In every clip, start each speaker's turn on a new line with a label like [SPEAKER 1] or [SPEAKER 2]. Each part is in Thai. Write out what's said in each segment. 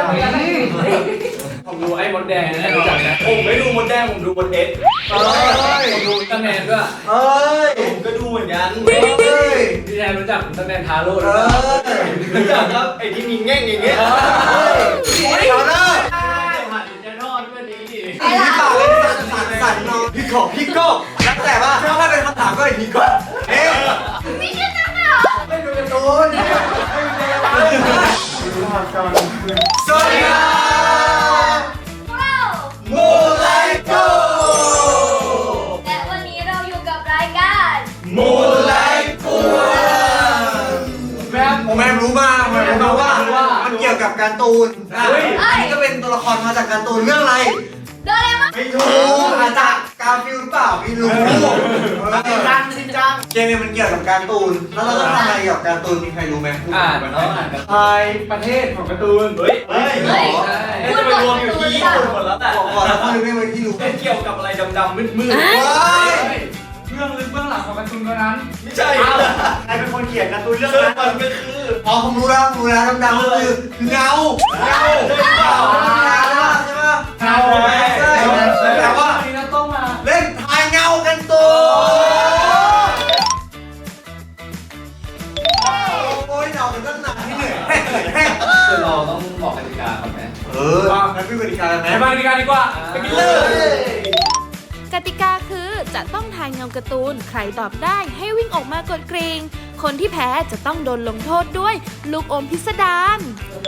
[SPEAKER 1] ผมดูไอ้มดแดงนะรู้จักนะผมไม่ดูมดแดงผมดูมดเอ็กผมดูอุลตร้าแมนด้วย
[SPEAKER 2] ผมก็ดูเหมือนกัน
[SPEAKER 1] พี่แทนรู้จักอุลตร้าแมนทาโร่หรือเปล่า
[SPEAKER 2] รู้จักครับไอ้ที่มีแง่งอย่างเงี้ย
[SPEAKER 1] เอาเนอะหัดจะทอดด้วยนี้ดิ
[SPEAKER 2] พี่ปากเลยสั่นนอนพี่กบแล้วแต่ว่าถ้าเป็นคำถามก็ไอ้พี่กบ
[SPEAKER 3] ไม่ชื่อจังเหรอ
[SPEAKER 2] ไม่ดูการ์ตูนสวัสดีครับมูไลโก
[SPEAKER 3] และวันนี้เราอยู่กับรายการ
[SPEAKER 2] มูไลโกแม่รู้มาว่ามันเกี่ยวกับการ์ตูนอันนี้ก็เป็นตัวละครมาจากการ์ตูนเรื่องอะไร
[SPEAKER 3] โดเรมอน
[SPEAKER 2] ไม่ถูกอาจจะกาฟิลหรือเปล่าไม่รู้ชินจังเกมนี้มันเกี่ยวกับการ์ตูนแล้วเราต้องทำอะไรกับการ์ตูนมีใครรู้ไหม
[SPEAKER 1] ไทยประเทศของการ์ตูน
[SPEAKER 3] พูดรวมอยู่ที่ญี่ปุ่นหมด
[SPEAKER 2] แล้วแต่บอกแล้วคนไม่ที่รู้
[SPEAKER 1] เกี่ยวกับอะไรดำๆมืดเรื่องลึกเบื้องหลังของการ์ตูนตัวนั้น
[SPEAKER 2] ไม่ใช่ใครเป็นคนเขียนการ์ตูนเรื่องนั้นมันก็คือผมรู้แล้วดำๆก็คือเงาใช่ไหมแต่ว่า
[SPEAKER 1] ต้องมา
[SPEAKER 2] เล่นทายเงากันตัวโอ้ยเงากันตั้งนานที่เหนื่อย
[SPEAKER 1] คือเราต้องบอกกติกาครับแม่
[SPEAKER 2] งั้นพี่กติกาไหม
[SPEAKER 1] ไปกติกาดีกว่าไปกินเลย
[SPEAKER 4] กติกาคือจะต้องทายเงาการ์ตูนใครตอบได้ให้วิ่งออกมากดกริ่งคนที่แพ้จะต้องโดนลงโทษด้วยลูกอมพิสดาร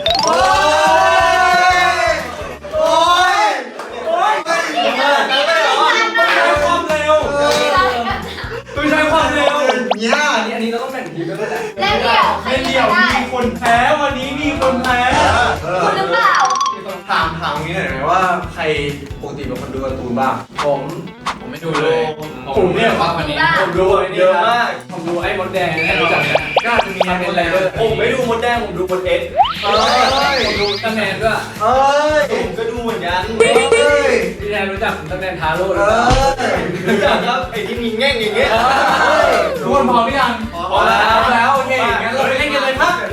[SPEAKER 1] ความเร็วตัวใช้ความเร็วอันนี้เราต้องแบ่งทีมกันด้วยแหละ
[SPEAKER 3] เล่นเดี่ยว
[SPEAKER 1] มีคนแพ้วันนี้มีคนแพ้
[SPEAKER 3] คุณหรือเปล่า
[SPEAKER 2] ถามนี้หน่อยไหมว่าใครปกติเป็นคนดูการ์ตูนบ้าง
[SPEAKER 1] ผมไม่ดูเลยผมเนี่ยว่าวันนี้ผมดูเยอะมากผมดูไอ้มดแดงนะรู้จักนะก็จะมีเป็นอะไรด้วยผมไม่ดูมดแดงผมดูมดเอ็กผมดูอุลตร้าแมนด้วย
[SPEAKER 2] ผมก็ดูเหมือนกัน
[SPEAKER 1] พี่แทนรู้จักอุลตร้าแมนทาโร่หรือเปล่า
[SPEAKER 2] รู้จักครับไอ้ที่มีแง่งอย่างเงี้ย
[SPEAKER 1] ทุกคนพร้อมหรือยัง
[SPEAKER 2] พร้อม
[SPEAKER 1] แล้วโอเคงั้นเราไปเล่นกันเลยครับ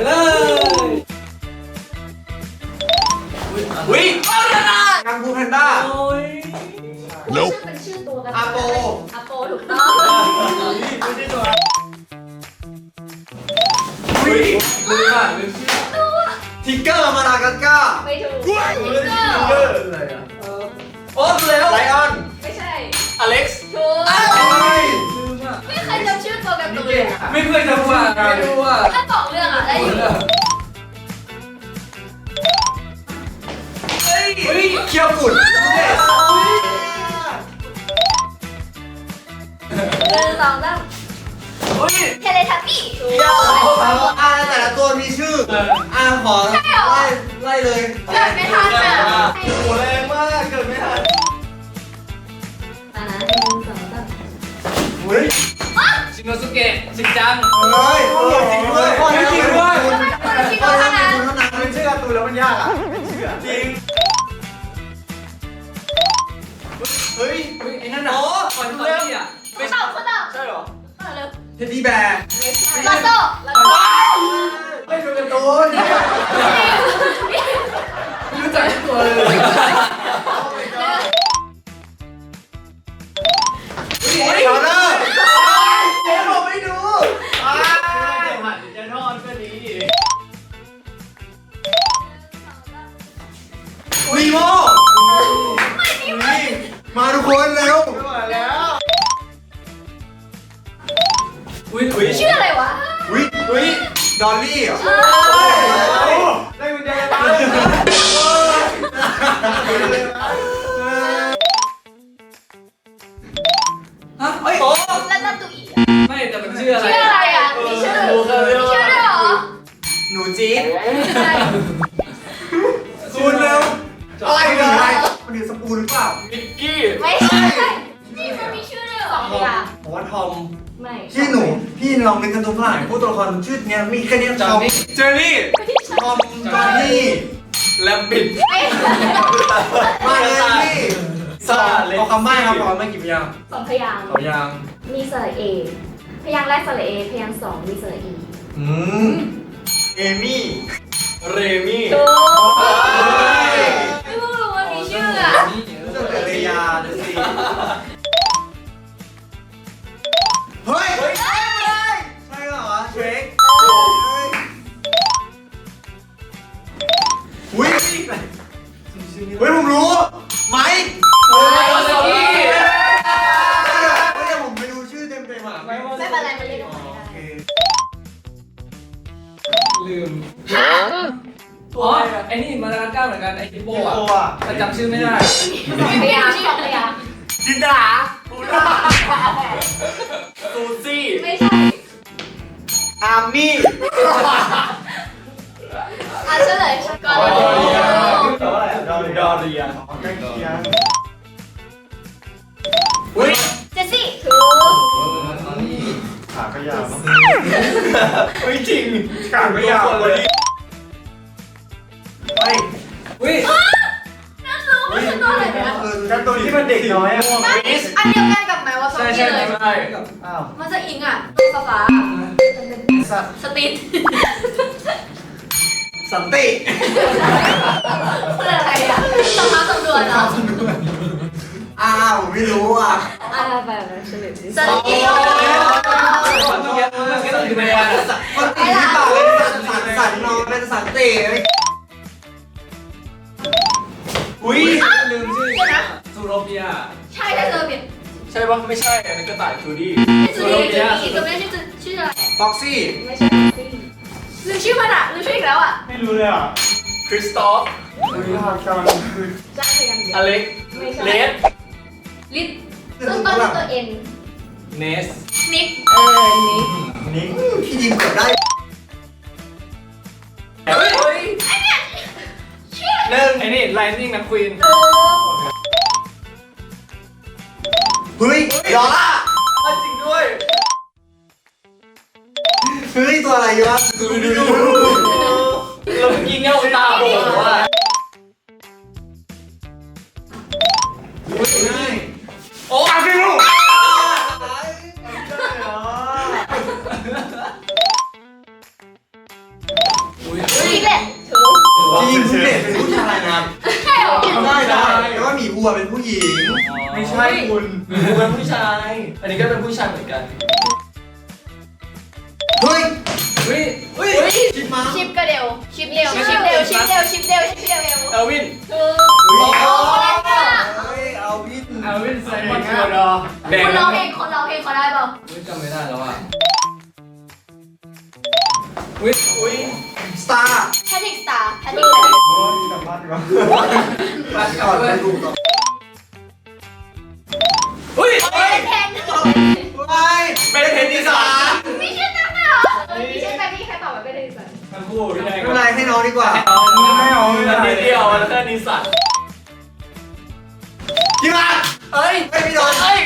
[SPEAKER 2] วิ่งกังฟูแพนด้า
[SPEAKER 3] เป็นชื่อตัวกัน
[SPEAKER 2] อาโป
[SPEAKER 3] ถูกต้อง
[SPEAKER 1] ไม่ใช่ตัว
[SPEAKER 2] ทิกเกอร์มาลากัสก้า
[SPEAKER 3] ไม่ถูกทิกเกอร์
[SPEAKER 1] อะไรอ่ะ
[SPEAKER 2] โอ้แล้วไลออน
[SPEAKER 3] ไม่ใช่
[SPEAKER 1] อเล็กซ์
[SPEAKER 3] ถูกไม่เคยจำชื่อตัวการ์ตูนเลย
[SPEAKER 1] ไม่เคยจำว่าไม่รู้ว่า
[SPEAKER 3] ถ้าบอกเรื่องได้อยู่
[SPEAKER 2] เคียวกุด
[SPEAKER 3] 1 2 3เทเลทับบี้
[SPEAKER 2] แต่ละตัวมีชื่อขอไล่เลย
[SPEAKER 3] เกิดไม่ทันอ่ะ
[SPEAKER 2] โหแรงมากเกิดไม่ทัน
[SPEAKER 3] 1 2 3
[SPEAKER 2] เฮ้ย
[SPEAKER 1] ชินโนสุเกะชินจัง
[SPEAKER 2] จริงด้วย
[SPEAKER 1] จริงด้วย
[SPEAKER 2] เป็นชื่อการ์ตูนแล้วมันยากอ่ะจริงเฮ้ย
[SPEAKER 1] ไอ้นั่นน่ะก่อนเริ่มอ่ะ
[SPEAKER 3] ไม่ตอบ
[SPEAKER 2] ใช่หรอ
[SPEAKER 3] เร็ว
[SPEAKER 2] เท็ดดี้แบร์
[SPEAKER 3] ลาโต้
[SPEAKER 2] ไม่ดูการ์ตูน
[SPEAKER 1] ไม่รู้จักตัวเลย
[SPEAKER 2] ชาร์เนอร์ผมไม่ดู
[SPEAKER 1] หัดจะทอดก็ดี
[SPEAKER 2] วีโมมาทุกคนเร็วมาแล้ว
[SPEAKER 3] ชื่ออะไรวะ
[SPEAKER 2] ดอลลี่เหรอได้กุญแจบ้าน
[SPEAKER 3] แล้วนั่นตัวอี
[SPEAKER 1] ไม่แต่มันชื่ออะไร
[SPEAKER 3] อ่ะมีชื่อด้วยเหรอ
[SPEAKER 2] หนูจี๊ด
[SPEAKER 3] ใช่
[SPEAKER 2] คุณเร็วอะไรเลยมันคือสปูนหรือเปล่า
[SPEAKER 1] มิกกี้
[SPEAKER 3] ไม่ใช่นี่มันมีชื่อด้วยเหรอ
[SPEAKER 2] ผมว่าทอม
[SPEAKER 3] ไม่
[SPEAKER 2] พี่ลองเป็นการ์ตูนฝรั่งผู้ตัวละครชื่อเนี้ยมีแค่นี้ทอม
[SPEAKER 1] เจอรี่
[SPEAKER 2] ทอมจอห์นนี่
[SPEAKER 1] แลมบิด
[SPEAKER 2] มาเลยสระเอาคำใบ้ครับพอไม่กี่พยาง
[SPEAKER 3] 2 พยางค์มีสระเอพยางค์แรกสระเอพยางค์2มีสระอี
[SPEAKER 2] เอมี่
[SPEAKER 1] เรมี่
[SPEAKER 3] ถูก
[SPEAKER 2] เฮ้ยผมรู้ไหม
[SPEAKER 1] โอ้ยสกี้
[SPEAKER 2] แต่ผมไม่รู้ชื่อเต็มอ่ะ
[SPEAKER 3] ไม่เป็นไรมันเรียกกันได้
[SPEAKER 1] ลืมอ๋อไอ้นี่มาดากัสการ์เหมือนกันไอ้ฮิปโปอ่ะแต่จำชื่อไม่ได้
[SPEAKER 3] พยายามพยายาม
[SPEAKER 2] จินดาบูราซูซี่
[SPEAKER 3] ไม่ใช่
[SPEAKER 2] อาร์มี่
[SPEAKER 3] เฉลยก่อน
[SPEAKER 2] แปลว่าอะไรดอเรียใกล้เคียงอุ้ย
[SPEAKER 3] เจสซี่ถูก
[SPEAKER 2] ขาก็ยาวเฮ้ยจริงขาก็ยาวเลยเฮ้ย
[SPEAKER 1] อุ้ย
[SPEAKER 3] นั่นรู้ว่าฉันตัวอะไรนะ
[SPEAKER 2] การ์ตูนที่มันเด็กน้อยอ่ะ
[SPEAKER 3] อันเดียวกันกับไหมว่าซอม
[SPEAKER 1] ใช่
[SPEAKER 3] บี้
[SPEAKER 1] ใช่
[SPEAKER 3] เลย
[SPEAKER 1] ใช่
[SPEAKER 2] อ้าว
[SPEAKER 3] มันจะอิงอ่ะฟ้า
[SPEAKER 2] สัตว์
[SPEAKER 3] สตีน
[SPEAKER 2] สันติ
[SPEAKER 3] คืออะไรอ่ะสภาพตำรวจเหรอ
[SPEAKER 2] อ้าวไม่รู้อ่ะ
[SPEAKER 3] แบบเฉลยสตีน
[SPEAKER 1] มันต้องเยอะมันก็ต้องอยู่ในวัน
[SPEAKER 2] มันตีที่ปากเลยสันนอนเป็นสันติอุ้ย
[SPEAKER 1] ลืมชื่อซูโรเปีย
[SPEAKER 3] ใช่ถ้าเจอเปลี่ยน
[SPEAKER 1] ใช่ปะไม่ใช่อันนี้กระต่ายจูดี้
[SPEAKER 3] จูดี้ตัวนี้ชื่ออะไร
[SPEAKER 2] ฟ็อกซี่
[SPEAKER 3] ไม่ใช่ลืมชื่อมันอ่ะลืมชื่ออีกแล้วอ่ะ
[SPEAKER 2] ไม่รู้เลยอ่ะ
[SPEAKER 1] คริสตอฟ
[SPEAKER 3] จ้าพยัง
[SPEAKER 1] อเล็ก
[SPEAKER 3] ไม่ใช่
[SPEAKER 1] เลส
[SPEAKER 3] ลิทต้นด้วยตัวเอ็น
[SPEAKER 1] เนส
[SPEAKER 3] นิกนิก
[SPEAKER 2] นี่พี่ยิงเกือบได้
[SPEAKER 1] เฮ้ย
[SPEAKER 2] หนึ่ง
[SPEAKER 1] ไอ้นี่ไลนิ่งนักควีน
[SPEAKER 2] เฮ้ยดอลล่า
[SPEAKER 1] จริงด้วย
[SPEAKER 2] เฮ้ยตัวอะไรวะดู
[SPEAKER 1] เราเมื่อกี้เงี้ยตาบอกว่า
[SPEAKER 2] ง่าย
[SPEAKER 1] โอ้อาฟิลู
[SPEAKER 3] นี่แหละถูก
[SPEAKER 2] จริงคุณเด็กเป็นผู้ชายนะ
[SPEAKER 3] ใช่หรอ
[SPEAKER 2] ได้แต่ว่าหมีวัวเป็นผู้หญิง
[SPEAKER 1] ไม่ใช่คุณกูเป็นผู้ชาย อันนี้ก็เป็นผู้ชายเหมือนกัน
[SPEAKER 2] เฮ้ย
[SPEAKER 1] เฮ้ยเฮ้ย
[SPEAKER 2] ชิปมา
[SPEAKER 3] ชิปก็เร็วชิปเร็วชิปเร็วชิปเร็วชิปเร็วชิปเร็ว
[SPEAKER 1] เอลวิน
[SPEAKER 3] ถูกโอ้โหแรงมาก
[SPEAKER 2] เฮ้ยเอาวิท
[SPEAKER 1] เอลวินไซมอนทัวร์ดอแดง
[SPEAKER 3] คนร้องเพลงเขาได้เปล่า
[SPEAKER 1] ไม่จำไม่ได้แล้วอ่ะอุ้ยอุ้ย
[SPEAKER 2] สตาร์
[SPEAKER 3] แพทริกสตาร์แพทริก
[SPEAKER 2] โอ้ยกลับบ้านดีกว่า
[SPEAKER 1] มา
[SPEAKER 2] ก่อนไปดูต่อ
[SPEAKER 1] อุ้ย
[SPEAKER 3] แทน
[SPEAKER 2] ไปเป็นเทนนิสสา
[SPEAKER 3] มีชื่อตั้งเหรอมีชื่อแต่ไม่มีใครตอบว่าเป็นอะไรสัก
[SPEAKER 1] ทั้งคู่พี่แดง
[SPEAKER 2] ไม่เป็นไรให้น้องดีกว่า
[SPEAKER 1] ไม่เอานิดเดียวแล้วก็นิสัต
[SPEAKER 2] กี่บาท
[SPEAKER 1] เอ้ย
[SPEAKER 2] ไม่มีโดน
[SPEAKER 1] เอ้ย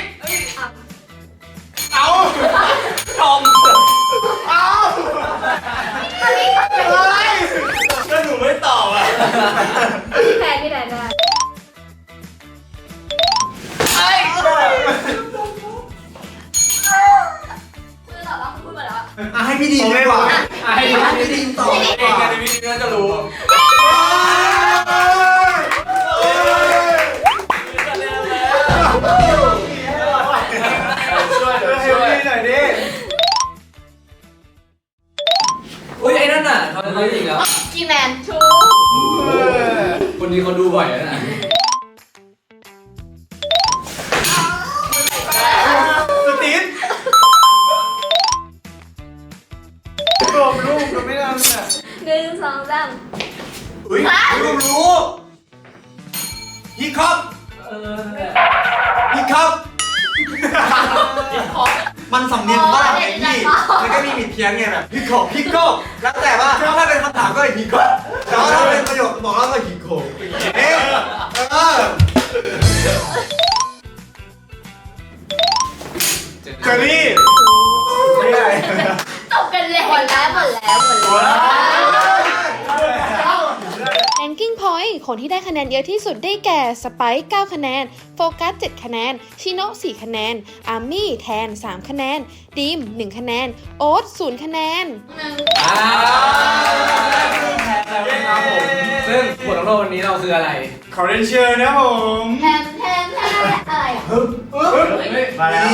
[SPEAKER 1] เอาทอม
[SPEAKER 2] เอา
[SPEAKER 3] อันนี้
[SPEAKER 2] อะไร
[SPEAKER 1] ถ้าหนูไม่ตอบอ่ะ
[SPEAKER 3] พี่แทนได้
[SPEAKER 1] เอ้ย
[SPEAKER 3] คือตอบว่าพูดมาแล้ว
[SPEAKER 2] ให้พี่ดีมดีกว่า
[SPEAKER 1] ให้
[SPEAKER 2] ให้พี่ดีมตอบ
[SPEAKER 1] เองกันในวิดีโอจะรู้ ช่วยหน่อยดิอุ้ยไอ้นั่นน่ะเขาจะอีกแล้ว
[SPEAKER 3] กีแมนชู
[SPEAKER 1] คนนี้เขาดูบ่อยนะ
[SPEAKER 2] สตีนรวมลูกก็ไม่ได้เนี่ย
[SPEAKER 3] 1 2 3
[SPEAKER 2] อุ้ยรวมรู้ฮิคอปฮิคอปมันสำเนียงบ้านไงพี่แล้วก็มีผิดเพี้ยนไงแบบฮิคอปฮิคอปแล้วแต่ว่าถ้าเป็นคำถามก็ฮิคอปแต่ว่าถ้าเป็นประโยคบอกแล้วก็ฮิคอปเอ๊ะเจอรี่ไม่ได้
[SPEAKER 3] ตบกันเลยหมดแล้ว
[SPEAKER 4] แรงกิ้งพอยต์คนที่ได้คะแนนเยอะที่สุดได้แก่สไปค์9คะแนนโฟกัส7คะแนนชิโนะ4คะแนนอาร์มี่แทน3คะแนนดีม1คะแนนโอ๊ต0คะแนน
[SPEAKER 1] ซึ่งบทลงโทษวันนี้เราคืออะไร
[SPEAKER 2] ขอเรียนเชิญนะผม
[SPEAKER 3] แทนอะไรอ่ะ
[SPEAKER 2] มาแล้ว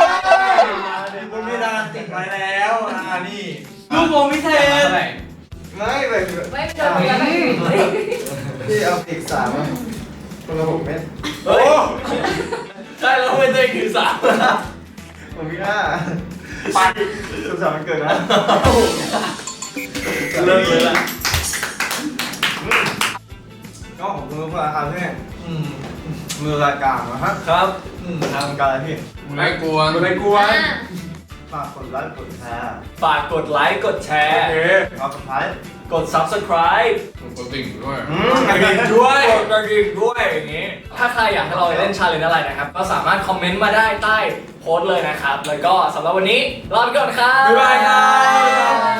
[SPEAKER 2] บนเพดานติดไว้แล้วนี่
[SPEAKER 1] ลูกโมพิเศษ
[SPEAKER 2] ไม่แบบ
[SPEAKER 3] ไม่โดนเนื้อแบบนี้
[SPEAKER 2] พี่เอาปีกสามคนละ6 เม็ด
[SPEAKER 1] เฮ้ยใช่แล้วเป็นตัวเองถือสาม
[SPEAKER 2] ผมมี5ไปสุดสัปดาห์มันเกิดนะ
[SPEAKER 1] เลิกเลยล่ะ
[SPEAKER 2] ก็ของมือพลังใช่ไหมมือรายการนะฮะ
[SPEAKER 1] ครับ
[SPEAKER 2] ทำการอะไรพี่
[SPEAKER 5] ไม่กวน
[SPEAKER 2] ไม่กวน
[SPEAKER 3] อ่ะ
[SPEAKER 2] ฝากกดไลค์กดแชร์
[SPEAKER 1] ฝากกดไลค์กดแชร์
[SPEAKER 2] ครับสุดท้าย
[SPEAKER 1] กด subscribe
[SPEAKER 5] ผมกดติ่งด้วย
[SPEAKER 1] กระดิ่งด้วยกดกระดิ่งด้วยอย่างนี้ ถ้าใครอยากให้เราเล่นชาเลนจ์อะไรนะครับ ก็สามารถคอมเมนต์มาได้ใต้โพสต์เลยนะครับ แล้วก็สำหรับวันนี้ลาไปก่อนครับ
[SPEAKER 2] บ๊ายบายครับ